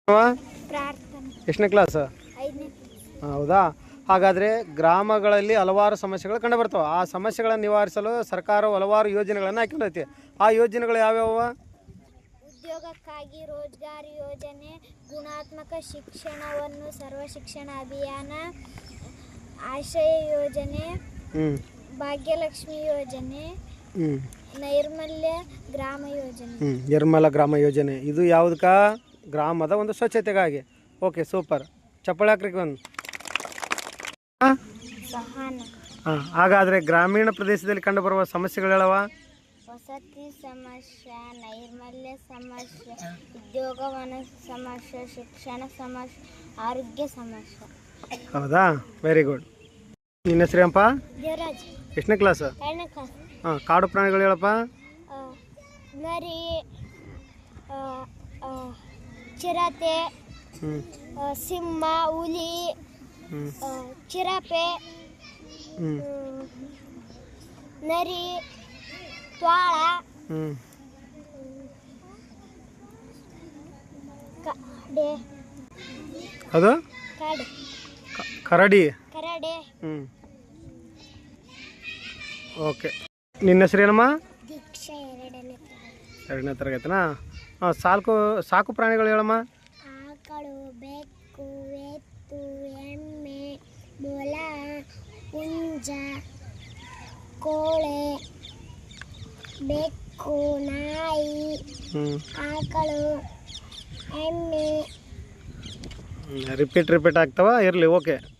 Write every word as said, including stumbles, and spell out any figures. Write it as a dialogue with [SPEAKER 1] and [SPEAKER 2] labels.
[SPEAKER 1] ಪ್ರಾರ್ಥನೆ.
[SPEAKER 2] ಎಷ್ಟನೇ ಕ್ಲಾಸ್?
[SPEAKER 1] ಐದನೇ.
[SPEAKER 2] ಹೌದಾ. ಹಾಗಾದರೆ ಗ್ರಾಮಗಳಲ್ಲಿ ಹಲವಾರು ಸಮಸ್ಯೆಗಳು ಕಂಡುಬರ್ತವೆ. ಆ ಸಮಸ್ಯೆಗಳನ್ನು ನಿವಾರಿಸಲು ಸರ್ಕಾರವು ಹಲವಾರು ಯೋಜನೆಗಳನ್ನು ಹಾಕಿಕೊಂಡೈತಿ. ಆ ಯೋಜನೆಗಳು ಯಾವ್ಯಾವ?
[SPEAKER 1] ಉದ್ಯೋಗಕ್ಕಾಗಿ ರೋಜ್ಗಾರ್ ಯೋಜನೆ, ಗುಣಾತ್ಮಕ ಶಿಕ್ಷಣವನ್ನು ಸರ್ವ ಶಿಕ್ಷಣ ಅಭಿಯಾನ, ಆಶ್ರಯ ಯೋಜನೆ, ಭಾಗ್ಯಲಕ್ಷ್ಮಿ ಯೋಜನೆ, ನೈರ್ಮಲ್ಯ ಗ್ರಾಮ ಯೋಜನೆ.
[SPEAKER 2] ನಿರ್ಮಲ ಗ್ರಾಮ ಯೋಜನೆ ಇದು ಯಾವುದಕ್ಕ? ಗ್ರಾಮದ ಒಂದು ಸ್ವಚ್ಛತೆಗಾಗಿ. Okay, super. ಚಪ್ಪಾಳೆ ಹಾಕ್ರಿ ಒಂದು. ಹಾಂ, ಹಾಗಾದರೆ ಗ್ರಾಮೀಣ ಪ್ರದೇಶದಲ್ಲಿ ಕಂಡುಬರುವ ಸಮಸ್ಯೆಗಳವ?
[SPEAKER 1] ವಸತಿ ಸಮಸ್ಯೆ, ನೈರ್ಮಲ್ಯ ಸಮಸ್ಯೆ, ಉದ್ಯೋಗವನ ಸಮಸ್ಯೆ, ಶಿಕ್ಷಣ ಸಮಸ್ಯೆ, ಆರೋಗ್ಯ ಸಮಸ್ಯೆ.
[SPEAKER 2] ಹೌದಾ, ವೆರಿ ಗುಡ್. ನಿನ್ನ ಹೆಸರೇನಪ್ಪ?
[SPEAKER 1] ದೇವರಾಜ್.
[SPEAKER 2] ಎಷ್ಟನೇ ಕ್ಲಾಸ್?
[SPEAKER 1] ಎರಡನೇ ಕ್ಲಾಸ್.
[SPEAKER 2] ಹಾಂ, ಕಾಡು ಪ್ರಾಣಿಗಳು ಹೇಳಪ್ಪ.
[SPEAKER 1] ನರಿ, ಚಿರತೆ, ಸಿಂಹ, ಹುಲಿ, ಚಿರತೆ, ನರಿ, ತ್ವಾಳ, ಕಡೆ.
[SPEAKER 2] ಅದು
[SPEAKER 1] ಕಡೆ.
[SPEAKER 2] ಕರಡಿ.
[SPEAKER 1] ಕರಡೆ.
[SPEAKER 2] ಹ್ಞೂ, ಓಕೆ. ನಿನ್ನ ಹೆಸರೇನಮ್ಮ?
[SPEAKER 1] ದೀಕ್ಷಾ. ಎರಡನೇ
[SPEAKER 2] ಎರಡನೇ ತರಗತಿನಾ? ಹಾಂ, ಸಾಕು ಸಾಕು ಪ್ರಾಣಿಗಳು ಹೇಳಮ್ಮ.
[SPEAKER 1] ಆಕಳು, ಬೆಕ್ಕು, ಎತ್ತು, ಎಮ್ಮೆ, ಮೊಲ, ಹುಂಜ, ಕೋಳೆ, ಬೆಕ್ಕು, ನಾಯಿ, ಆಕಳು, ಎಮ್ಮೆ.
[SPEAKER 2] ರಿಪೀಟ್ ರಿಪೀಟ್ ಆಗ್ತಾವ, ಇರಲಿ. ಓಕೆ.